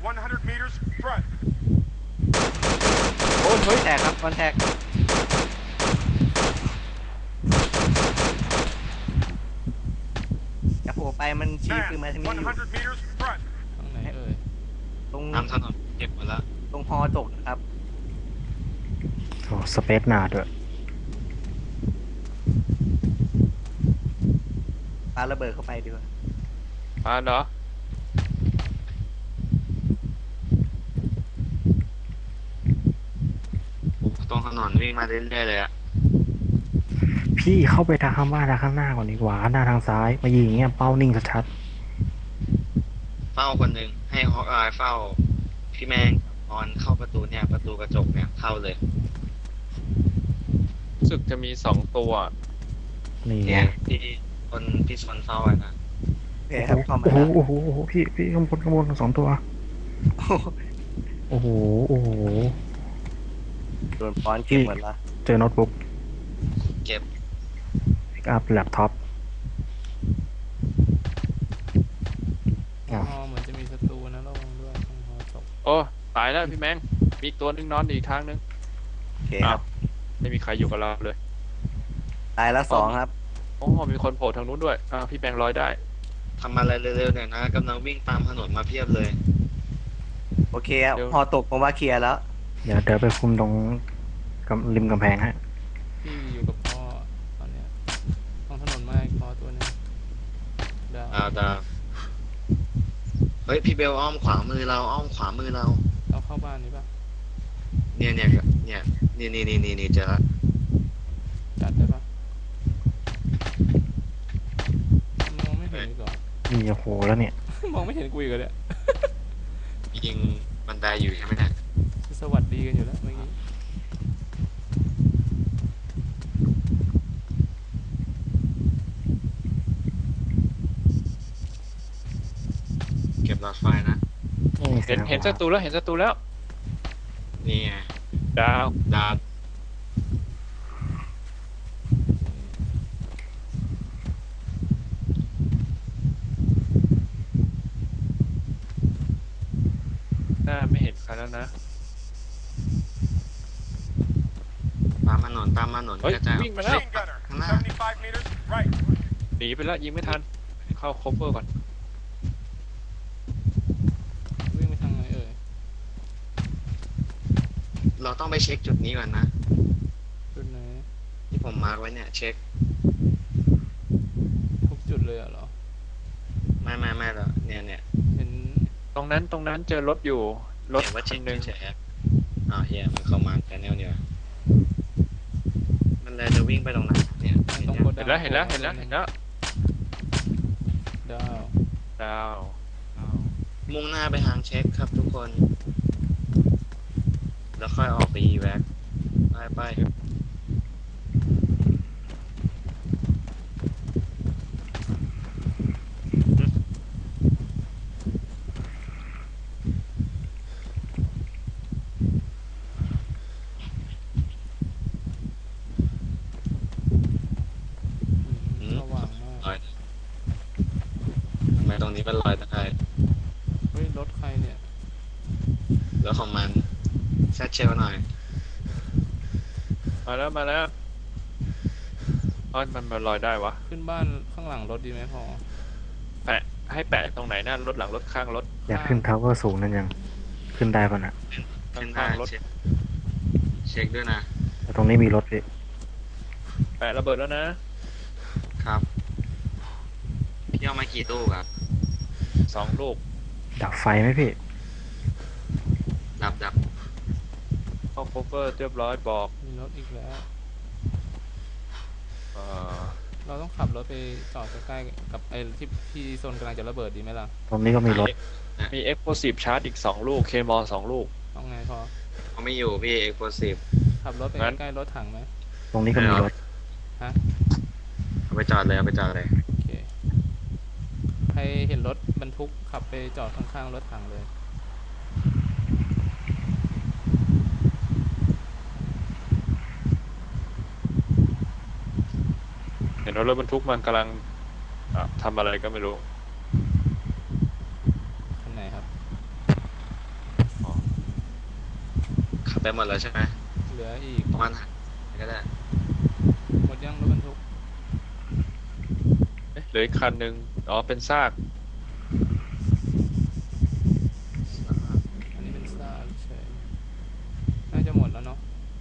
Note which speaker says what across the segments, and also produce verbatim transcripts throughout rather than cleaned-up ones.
Speaker 1: one hundred meters front
Speaker 2: โอ้เฮ้ยแตกครับคอนแทคจะโผล่ไปมันชี้คือมาทางนี้
Speaker 1: one hundred meters front
Speaker 3: ตรงไหนเอ่ย
Speaker 2: ตรง
Speaker 4: ตามถนนเก็บหมดแล้ว
Speaker 2: ตรงฮอตกนะครับ
Speaker 5: โอ้สเปซหนาด้วย
Speaker 2: ปาระเบิดเข้าไปดีกว่า
Speaker 6: อ่าเนาะ
Speaker 4: ตรงถนนวิ่งมาเรื่อยๆเลยอะ
Speaker 5: พี่เข้าไปทางข้างบ้านทางข้างหน้าก่อนดีกว่าหน้าทางซ้ายมายิงอย่างเงี้ยเป้านิ่งชัด
Speaker 4: เฝ้าคนหนึ่งให้ฮอกอายเฝ้าพี่แมงออนเข้าประตูเนี่ยประตูกระจกเนี่ยเข้าเลย
Speaker 6: รู้สึกจะมีสองตัว
Speaker 5: ๆนี่ไง
Speaker 4: เนี่ยที่คนพี่สนเฝ้าอะนะ
Speaker 2: โอเคครับเข้ามา
Speaker 5: โอ้โห
Speaker 2: แล้ว
Speaker 5: โอ้โหโอ้โหพี่พี่ข้างบนข้างบนสองตัวโอ้โหโอ้โห
Speaker 2: โดนป้อนเก็บหมดละ
Speaker 5: เจอโน้ตบุ๊ก
Speaker 4: เก็บ
Speaker 5: พิกอัพแล็ปท็อป
Speaker 3: อ๋อเหมือนจะมีศัตรูนะระวังด้วยตรงหอศพ
Speaker 6: โอ้ตายแล้วพี่แมงมีอีกตัวนึงนอนอีกทางนึง
Speaker 2: โอเคค
Speaker 6: อ้า
Speaker 2: รั
Speaker 6: ว
Speaker 2: บ
Speaker 6: ไม่มีใครอยู่กับเราเลย
Speaker 2: ตายแล้วสองครับ
Speaker 6: โอ้มีคนโผล่ทางนู้นด้วยอ่าพี่แมงลอยได้
Speaker 4: ทำอะไรเร็วๆเนี่ยนะกำลังวิ่งตามถนนมาเพียบเลย
Speaker 2: โอเคครับฮอตกผมว่าเคลียร์แล้ว
Speaker 5: เดี๋ยวเดี๋ยวไปคุมตรงกำริมกำแพงฮะ
Speaker 3: พี่อยู่กับพ่อตอนเนี้ยตรงถนนไม้พ่อตัวนึงดาว
Speaker 4: ดาวดาวเฮ้ยพี่เบลอ้อมขวามือเราอ้อมขวามือเรา
Speaker 3: เราเข้าบ้านนี้ป่ะ
Speaker 4: เนี่ยเนี่ยเนี่ยนี่นี่นี่นี่นี่เจอละ
Speaker 3: จัดได้ป่ะมองไม่เห็นอีกเหรอ
Speaker 5: นี่โอ้โหแล้วเนี่ย
Speaker 3: มองไม่เห็นกูอีกเหรอเนี่ย
Speaker 4: ยิงบันไดอยู่ใช่ไหมเนี่ย
Speaker 3: สวัสดีกันอยู่แล้วเมื่อกี้
Speaker 4: เก็บหลอดไฟนะ
Speaker 5: นี่
Speaker 6: เห็นเห็นศัตรูแล้วเห็นศัตรูแล้ว
Speaker 4: นี่ไง
Speaker 6: ดาว
Speaker 4: ดาว
Speaker 6: หน้าไม่เห็นใครแล้วนะ
Speaker 4: ตามถนนตามถนน
Speaker 6: เฮ้ย
Speaker 4: กระจาย
Speaker 6: วิ่งมาแล้ว
Speaker 1: machine gunner
Speaker 4: ข้างหน้า
Speaker 1: seventy-five meters right
Speaker 6: หนีไปแล้วยิงไม่ทันเข้าคอเวอร์ก่อน
Speaker 3: วิ่งไปทางไหนเอ่ย
Speaker 4: เราต้องไปเช็คจุดนี้ก่อนนะ
Speaker 3: จุดไหน
Speaker 4: ที่ผมมาร์กไว้เนี่ยเช็ค
Speaker 3: ทุกจุดเลยเหรอ
Speaker 4: ไม่ไม่ไม่หรอกเนี่ยเนี่ย
Speaker 3: เห็น
Speaker 6: ตรงนั้นตรงนั้นเจอรถอยู่รถ
Speaker 4: เห็นว่า
Speaker 6: คั
Speaker 4: เช็
Speaker 6: น
Speaker 4: ค
Speaker 6: หนึ่ง
Speaker 4: เฉยๆอ้าวเฮียมันเข้ามาแชนแนลเนี่ยมันเลยจะวิ่งไปตรงนั้นเนี่ย
Speaker 3: ตรง
Speaker 4: เห็น
Speaker 3: โก
Speaker 4: ยัง
Speaker 3: ดัง
Speaker 6: เห็นแล้วเห็นแล้วเห็นแล้วเห็นแล้ว
Speaker 3: ดาว
Speaker 6: ดาวดาว
Speaker 4: มุ่งหน้าไปทางเช็คครับทุกคน แล้วค่อยออกไปอีแว็กไปไป
Speaker 3: อืมสว่างมาก
Speaker 4: ลอยทำไมตรงนี้มันลอยได้
Speaker 3: เฮ้ยรถใครเนี่ย
Speaker 4: แล้วของมันแซดเชลหน่อย
Speaker 6: มาแล้วมาแล้วอ๋อมันมันลอยได้วะ
Speaker 3: ขึ้นบ้านข้างหลังรถดีไหมพอ
Speaker 6: แปะให้แปะตรงไหนหน้ารถหลังรถข้างรถ
Speaker 5: อยากขึ้นทาวเวอร์สูงนั่นยังขึ้นได้ป่ะนะ
Speaker 4: ขึ้น
Speaker 6: ข้า
Speaker 4: ได้
Speaker 6: งๆรถ
Speaker 4: เช็คเช็คด้วยนะ
Speaker 5: แต่ตรงนี้มีรถพี่
Speaker 6: แปะระเบิดแล้วนะครับ
Speaker 4: พี่เอามากี่ตู้ครับ
Speaker 6: สองลูก
Speaker 5: ดับไฟไหมพี่
Speaker 4: ดับดับ
Speaker 6: เข้าคอเวอร์เรียบร้อยบอก
Speaker 3: มีรถอีกแล้ว
Speaker 6: เอ่อ
Speaker 3: เราต้องขับรถไปจอดใกล้ๆกับไอ้ที่ที่โซนกำลังจะระเบิดดีไหมล่ะ
Speaker 5: ตรงนี้ก็มีรถ
Speaker 6: มีเอ็กโพซีฟชาร์จอีกสองลูกเคมอลสองลูก
Speaker 3: ต้องไงพอ
Speaker 4: เขาไม่อยู่พี่เอ็กโพซีฟ
Speaker 3: ขับรถไป
Speaker 6: งั้น
Speaker 3: ใกล้ๆรถถังไหม
Speaker 5: ตรงนี้ก็มีรถ
Speaker 3: ฮะ
Speaker 4: เอาไปจอดเลยเอาไปจอดเลย
Speaker 3: โอเคใครเห็นรถบรรทุกขับไปจอดข้างๆรถถังเลย
Speaker 6: เห็นว่ารถบรรทุกมันกำลังอ่ะทำอะไรก็ไม่รู้
Speaker 3: คันไหนครับ
Speaker 4: ไปหมดแล้วใช่ไหม
Speaker 3: เหลืออีก
Speaker 4: ประมาณก็ได้
Speaker 3: หมดยังรถบรรทุก
Speaker 6: เอ๊ะเหลืออีกคันหนึ่งอ๋อเป็นซาก
Speaker 3: อันนี้เป็นซากเฉยน่าจะหมดแล้วเนาะ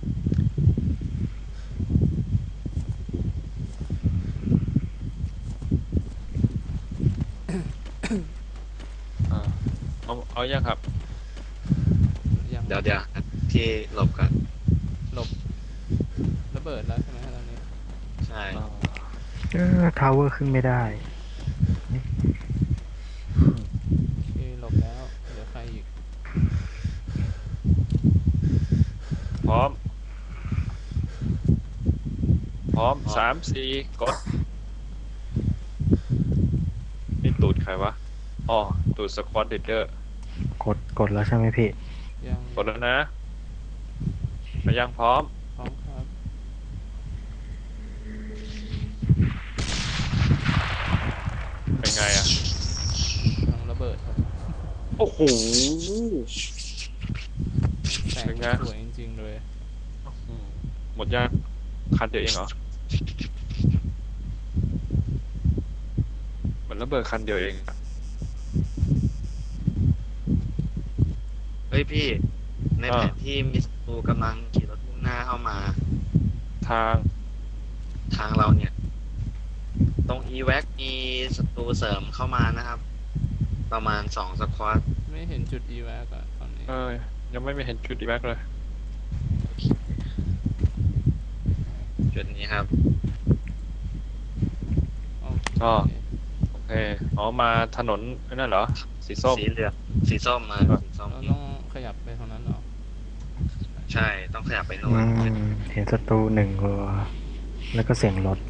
Speaker 6: อ่าเอาเอายังครับ
Speaker 3: ยัง
Speaker 4: เดี๋ยวเดี๋ยวที่หลบกัน
Speaker 3: หลบระเบิดแล้วใช่ไหมตอนนี้
Speaker 4: ใช่
Speaker 6: อ่า
Speaker 5: เออทาวเวอร์ขึ้นไม่ได้
Speaker 3: โอเคหลบแล้วเหลือใครอีก
Speaker 6: พร้อม พร้อมสามสี่กดนี่ตูดใครวะอ๋อตูดสควอตเดอร์
Speaker 5: กดกดแล้วใช่ไหมพี่
Speaker 3: ยัง
Speaker 6: กดแล้วนะไปยังพร้อม
Speaker 3: พร้อมครับ
Speaker 6: เป็นไงอ่ะ
Speaker 3: กำลังระเบิดครับ
Speaker 6: โอ้โห
Speaker 3: แสง
Speaker 6: เป็นไง
Speaker 3: สวยจริงๆเลย
Speaker 6: อืมหมดยังคันเดียวเองเหรอเหมือนระเบิดคันเดียวเองอะ
Speaker 4: เฮ้ยพี่ ในแผนที่มีศัตรูกำลังขี่รถมุ่งหน้าเข้ามา
Speaker 6: ทาง
Speaker 4: ทางเราเนี่ย ตรง อี แวค มีศัตรูเสริมเข้ามานะครับ ประมาณสองสควอต
Speaker 3: ไม่เห็นจุด อี แวค อะตอนนี้
Speaker 6: เอ้ยยังไม่เห็นจุดอีแม็กเลย
Speaker 4: จุดนี้ครับ
Speaker 3: โอ
Speaker 6: อ๋อ
Speaker 3: เค
Speaker 6: โอเคอ๋อมาถนนนั่นเหรอ สีส้ม
Speaker 4: สีเหลืองสีส้มมา
Speaker 6: ครับ
Speaker 4: สีส้ม
Speaker 3: เราต้องขยับไปทางนั้นเหรอ
Speaker 4: ใช่ต้องขยับไปโน่
Speaker 5: อื
Speaker 4: น
Speaker 5: ม เห็นศัตรูหนึ่งตัว แล้วก็เสียงรถ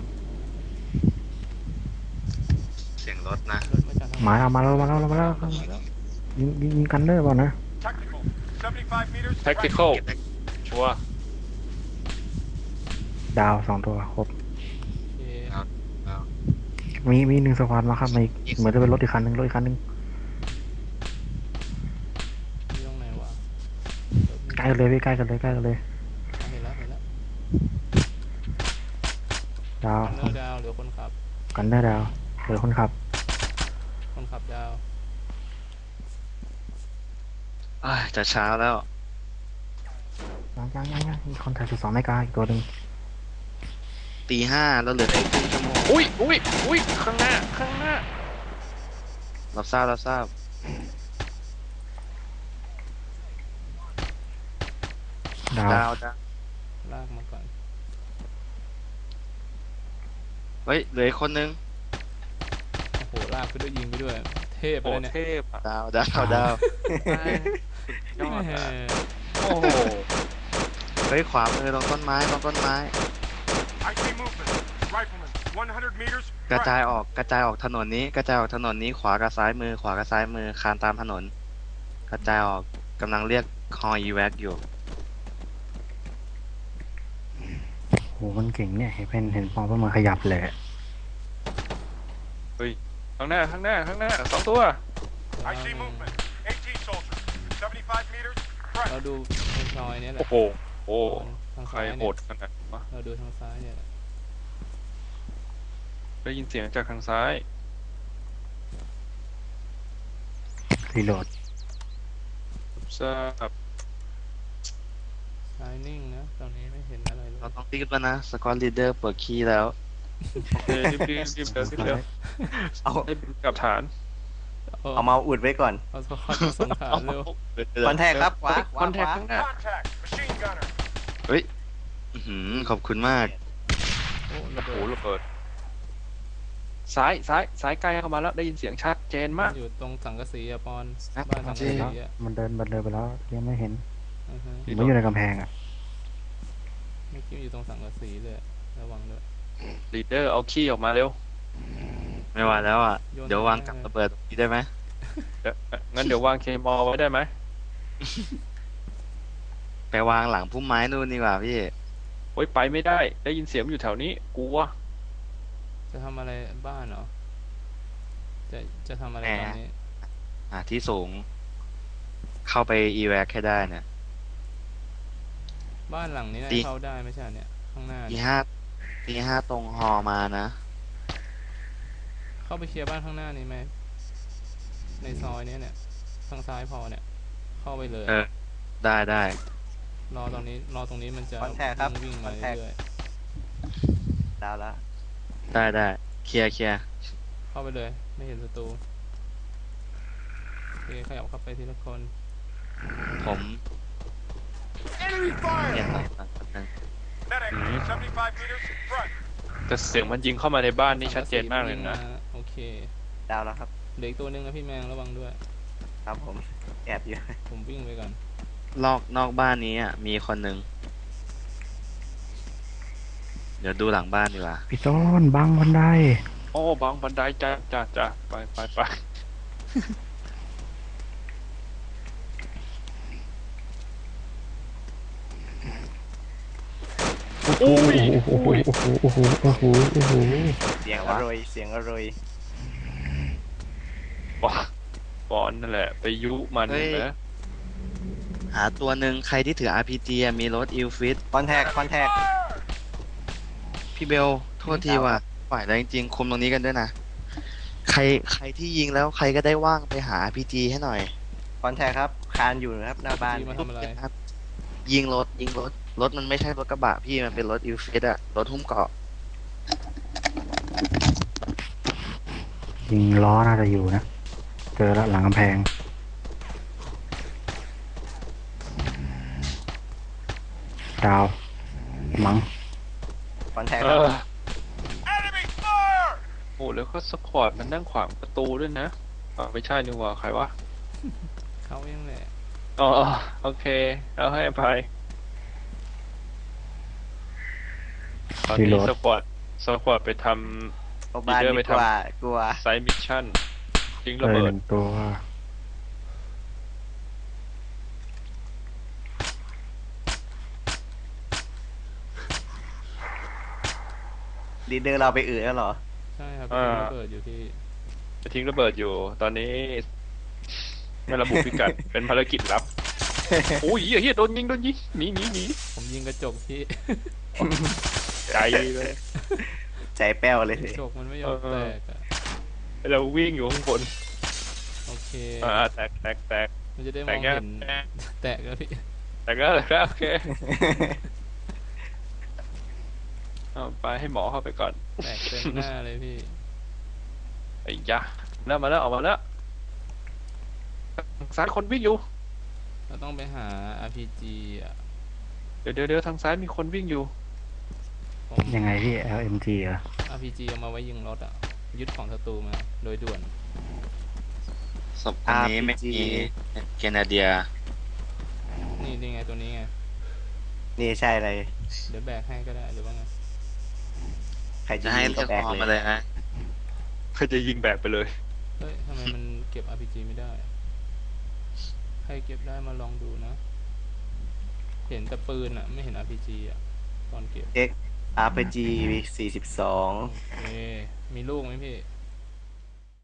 Speaker 4: เสียงรถนะ
Speaker 3: รถมาจากทาง
Speaker 5: หมาเอามาแล้วมาแล้วมาแล้ว
Speaker 3: มาแล้ว
Speaker 5: ยิงยิงยิงกันเดอร์เปล่านะ
Speaker 1: Technical. seventy-five meters. right.
Speaker 6: tactical ชัวร์
Speaker 5: ดาวสองตัวครบ
Speaker 3: โอเค
Speaker 4: เอา
Speaker 5: มีมีหนึ่งสควอตมาครับมาอีกเหมือนจะเป็นรถอีกคันหนึ่งรถอีกคันหนึ่ง
Speaker 3: ที่ตรงไหนวะรถมี
Speaker 5: ใกล้กันเลยพี่ใกล้กันเลยใกล้กันเลย
Speaker 3: อ่ะเห็นแล้วเห็นแล้ว
Speaker 5: ดาว
Speaker 3: กันเนอร์ดาวเหลือคนขับ
Speaker 5: กันเดอร์ดาวเหลือคนขับ
Speaker 3: คนขับดาว
Speaker 4: อ้ายจะเช้าแล้ว
Speaker 5: ยังยังยังยังมีคนถ่ายจุดสองนาฬิกาอีกตัวหนึ่ง
Speaker 4: ตีห้าแล้วเหลืออีกครึ่งชั่วโมง
Speaker 6: อุ้ยอุ้ยอุ้ยข้างหน้าข้างหน้า
Speaker 4: รับทราบรับทราบ
Speaker 5: ดาว
Speaker 4: ดาวดาว
Speaker 3: ลากมาก่อน
Speaker 4: เฮ้ยเหลืออีกคนนึง
Speaker 3: โอ้โหลากไปด้วยยิงไปด้วย เทพไป
Speaker 6: โอ้
Speaker 3: เลยเนี่ย
Speaker 6: เทพอ่ะ
Speaker 4: ดาวดาวดาว
Speaker 6: ยอด
Speaker 3: แห
Speaker 6: อ่ะ
Speaker 3: ม
Speaker 6: โอ้โห
Speaker 4: เฮ้ยขวามือตรงต้นไม้ตรงต้นไม้
Speaker 1: I see movement. Rifleman. one hundred meters.
Speaker 4: กระจาย
Speaker 1: right.
Speaker 4: ออกกระจายออกถนนนี้ กระจายออกถนนนี้ขวากับซ้ายมือ ขวากับซ้ายมือคานตามถนน กระจายออกกำลังเรียกคอ อี แวค อยู่
Speaker 5: โหมันเก่งเนี่ยเห็นเป็นเห็นปองเพื่อมาขยับเลย
Speaker 6: ข้างหน้าข้างหน้าข้างหน้าสองตัว
Speaker 1: I see movement. AT soldier. seventy-five meters. right.
Speaker 3: เราดูทางซอยเนี่ยแห
Speaker 6: โอ้
Speaker 3: ละ
Speaker 6: โหโอ้
Speaker 3: ทาง
Speaker 6: ใคร
Speaker 3: ซ้าย
Speaker 6: โห
Speaker 3: เนี่ย
Speaker 6: ดขนาดวะ
Speaker 3: เราดูทางซ้ายเนี่ยแหละ
Speaker 6: ได้ยินเสียงจากทางซ้าย
Speaker 5: รีโหลด
Speaker 6: ทราบ
Speaker 3: ซ้ายนิ่งนะตอนนี้ไม่เห็นอะไรเลย
Speaker 4: เราต้องรีบแล้วนะสกอตลีดเดอร์เปิดคีย์แล้ว
Speaker 6: โอเครีบรีบรีบเร็วรีบเร็ว
Speaker 2: เอา
Speaker 6: ให้บินกลับฐาน
Speaker 2: เอามาอุดไว้ก่อน
Speaker 3: เอาสควอตมาส่งฐานเร็ว
Speaker 2: คอนแทคครับขวาข
Speaker 6: คว
Speaker 2: า
Speaker 6: อนแท
Speaker 2: ข
Speaker 6: คว
Speaker 2: า
Speaker 6: ข้างหน้า
Speaker 1: Contact. Machine gunner.
Speaker 4: อื้อหือขอบคุณมาก
Speaker 3: โอ้ระ
Speaker 6: โอ้
Speaker 3: เบิ
Speaker 6: โห
Speaker 3: ด
Speaker 6: ระเบิดซ้ายซ้ายซ้ายใกล้เข้ามาแล้วได้ยินเสียงชัดเจนมาก
Speaker 3: อยู่ตรงสังกะสีอะปอน
Speaker 4: อ่ะ
Speaker 3: บ้านสังกะสีอะ
Speaker 5: มันเดินมันเดินไปแล้วยังไม่เห็น
Speaker 3: อือฮะ
Speaker 5: มันอยู่ในกำแพงอ่ะ
Speaker 3: เมื่อกี้อยู่ตรงสังกะสีเลยระวังด้วย
Speaker 6: ลีดเดอร์เอาขี้ออกมาเร็ว
Speaker 4: ไม่ไหวแล้วอ่ะ
Speaker 3: โยน
Speaker 4: เดี๋ยววาง
Speaker 3: ไป
Speaker 4: กับ
Speaker 3: เลย
Speaker 4: ระเบิดตรงนี้ได้ไหม
Speaker 6: เดี๋ยวงั้นเดี๋ยววางเคมอลไว้ได้ไหม
Speaker 4: ไปวางหลังพุ่มไม้นู่นดีกว่าพี่
Speaker 6: โอ้ยไปไม่ได้ ได้ยินเสียงอยู่แถวนี้กลัว
Speaker 3: จะทำอะไรบ้านเหรอ จะจะทำอะไร
Speaker 4: แหม
Speaker 3: ตอนนี้
Speaker 4: หาที่สูง เข้าไป อี แวค ให้ได้เนี่ย
Speaker 3: บ้านหลังนี้น่า
Speaker 4: ตี
Speaker 3: จะเข้าได้ไม่ใช่เนี่ยข้างหน้า
Speaker 4: ตี
Speaker 3: เนี่ย
Speaker 4: ห้าตีห้าตรงฮอมานะ
Speaker 3: เข้าไปเคลียร์บ้านข้างหน้านี้ไหมในซอยเนี้ยเนี่ยทางซ้ายพอเนี่ยเข้าไปเลย
Speaker 4: เออ ได้ได้
Speaker 3: รอตรงนี้รอตรงนี้มันจะ
Speaker 2: คอนแทคครับ
Speaker 3: วิ่ง
Speaker 2: ค
Speaker 3: มา
Speaker 2: อนแทค
Speaker 3: เรื่อย
Speaker 2: ดาวแล้ว
Speaker 4: ได้ได้เคลียร์เคลียร์
Speaker 3: ๆเข้าไปเลยไม่เห็นศัตรูโอเคขยับเข้าไปทีละคน
Speaker 4: ผม
Speaker 1: Enemy
Speaker 4: เปลี่ยน
Speaker 1: fire!
Speaker 4: หน่อยก่อนแป๊บนึง
Speaker 1: Medic, seventy-five meters, front.
Speaker 6: แต่เสียงมันยิงเข้ามาในบ้านนี่ชัดเจนมากเลยนะ
Speaker 3: โอเค
Speaker 2: ดาวแล้วครับ
Speaker 3: เหลืออีกตัวหนึ่งนะพี่แมงระวังด้วย
Speaker 2: ครับผมแอบอยู่
Speaker 3: ผมวิ่งไปก่อน
Speaker 4: นอกนอกบ้านนี้อ่ะมีคนหนึ่งเดี๋ยวดูหลังบ้านดีกว่า
Speaker 5: พี่ต้นบังบันได
Speaker 6: โอ้บังบันไดจ้าจ้าจ้าไปไปไป
Speaker 5: โอ้โหโอ้โหโอ้โหโอ้โหโอ้โห
Speaker 2: เสียงอร่อยเสียงอร่อย
Speaker 6: บอลบอลนั่นแหละ ไปยุมัน
Speaker 4: เฮ้ย
Speaker 6: นะ
Speaker 4: หาตัวหนึ่งใครที่ถือ อาร์ พี จี อะมีรถอิลฟิต
Speaker 2: คอนแทคคอนแทค
Speaker 4: พี่เบล โทษทีว่ะฝ่ายแล้วจริงๆ คุมตรงนี้กันด้วยนะ ใครใครที่ยิงแล้วใครก็ได้ว่างไปหา อาร์ พี จี ให้หน่อย
Speaker 2: คอนแทคครับคานอยู่นะครับหน้าบ้าน
Speaker 3: พี่มาทำอะไร
Speaker 4: ยิงรถยิงรถ รถมันไม่ใช่รถกระบะพี่มันเป็นรถอิลฟิตอะรถหุ้มเกราะ
Speaker 5: ยิงล้อน่าจะอยู่นะ เจอแล้วหลังกำแพง ดาว มัง
Speaker 2: คอนแทค
Speaker 6: เอ
Speaker 2: ครับ
Speaker 6: อ
Speaker 1: Enemy fire!
Speaker 6: โอ้แล้วก็สปอร์ตมันนั่งขวางประตูด้วยนะอ๋อไม่ใช่นี่หว่าใครวะ
Speaker 3: เขาเองแหละ
Speaker 6: อ๋อโอเคเอาให้อภัยตอนนี้
Speaker 5: รีโหลด
Speaker 6: สปอร์ตสปอร์ตไปท
Speaker 2: เข้าบ้าน
Speaker 6: ดีเดอร์
Speaker 2: ดี
Speaker 6: ไป
Speaker 2: ก
Speaker 6: ทำ
Speaker 2: ว่ากลัว
Speaker 6: ำไซต์มิชชั่นทิ้ง
Speaker 5: เล
Speaker 6: ระ
Speaker 5: ย
Speaker 6: เบิ
Speaker 5: ห
Speaker 6: ด
Speaker 5: นึ่งตัว
Speaker 2: ลีดเดอร์เราไปอื่นแล้วเหรอ
Speaker 3: ใช่ครับ
Speaker 6: อ่า
Speaker 3: เป็นระเบิดอยู่ที่
Speaker 6: ไปทิ้งระเบิดอยู่ ตอนนี้ไม่ระบุพิกัด เป็นภารกิจลับ โอ้ยเฮียเฮียโดนยิงโดนยิงหนีหนีหนี
Speaker 3: ผมยิงกระจกที่
Speaker 6: ใจเลย
Speaker 2: ใจแป้วเลย
Speaker 3: ก
Speaker 2: สิ
Speaker 3: ระจกมันไม่ยอม
Speaker 6: เอ
Speaker 3: แต
Speaker 6: อ
Speaker 3: กอะ
Speaker 6: เราวิ่งอยู่ข้างบน
Speaker 3: โอเค
Speaker 6: อ่าแตกแตกแตก
Speaker 3: มันจะได้ม
Speaker 6: แต
Speaker 3: อก ง
Speaker 6: แค่
Speaker 3: เห็นแตกแล้วพี่
Speaker 6: แตกแล้วแตกแล้วโอเคเอาไปให้หมอเข้าไปก่อน
Speaker 3: แตกเต็มหน้าเลยพี่
Speaker 6: ไอ้ยะแล้วมาแล้วออกมาแล้วทางซ้ายคนวิ่งอยู่
Speaker 3: เราต้องไปหา อาร์ พี จี อ่ะ
Speaker 6: เดี๋ยวเดี๋ยวเดี๋ยวทางซ้ายมีคนวิ่งอยู่
Speaker 3: ผม
Speaker 5: ยังไงพี่ แอล เอ็ม จี เหรอ
Speaker 3: อาร์ พี จี เอามาไว้ยิงรถอ่ะ ยึดของศัตรูมาโดยด่วน
Speaker 4: ศพคนนี้ไม่มีแคนาเดีย
Speaker 3: นี่นี่ไงตัวนี้ไง
Speaker 2: นี่ใช่เลย
Speaker 3: เดี๋ยวแบกให้ก็ได้หรือว่าไง
Speaker 2: ใครจะ
Speaker 4: จะให้
Speaker 2: ยิง
Speaker 4: เลื
Speaker 2: ก็
Speaker 4: อก
Speaker 2: แบก
Speaker 4: คอ
Speaker 2: เล
Speaker 4: มาย เลยนะ
Speaker 6: เขาจะยิงแบกไปเลย
Speaker 3: เฮ้ยทำไมมันเก็บ อาร์ พี จี ไม่ได้ ใครเก็บได้มาลองดูนะ เห็นแต่ปืนอ่ะ ไม่เห็น อาร์ พี จี อ่ะ ตอนเก็บ
Speaker 2: อาร์ พี จี สี่สิบสอง
Speaker 3: โอเค มีลูกไหมพี่
Speaker 2: ไ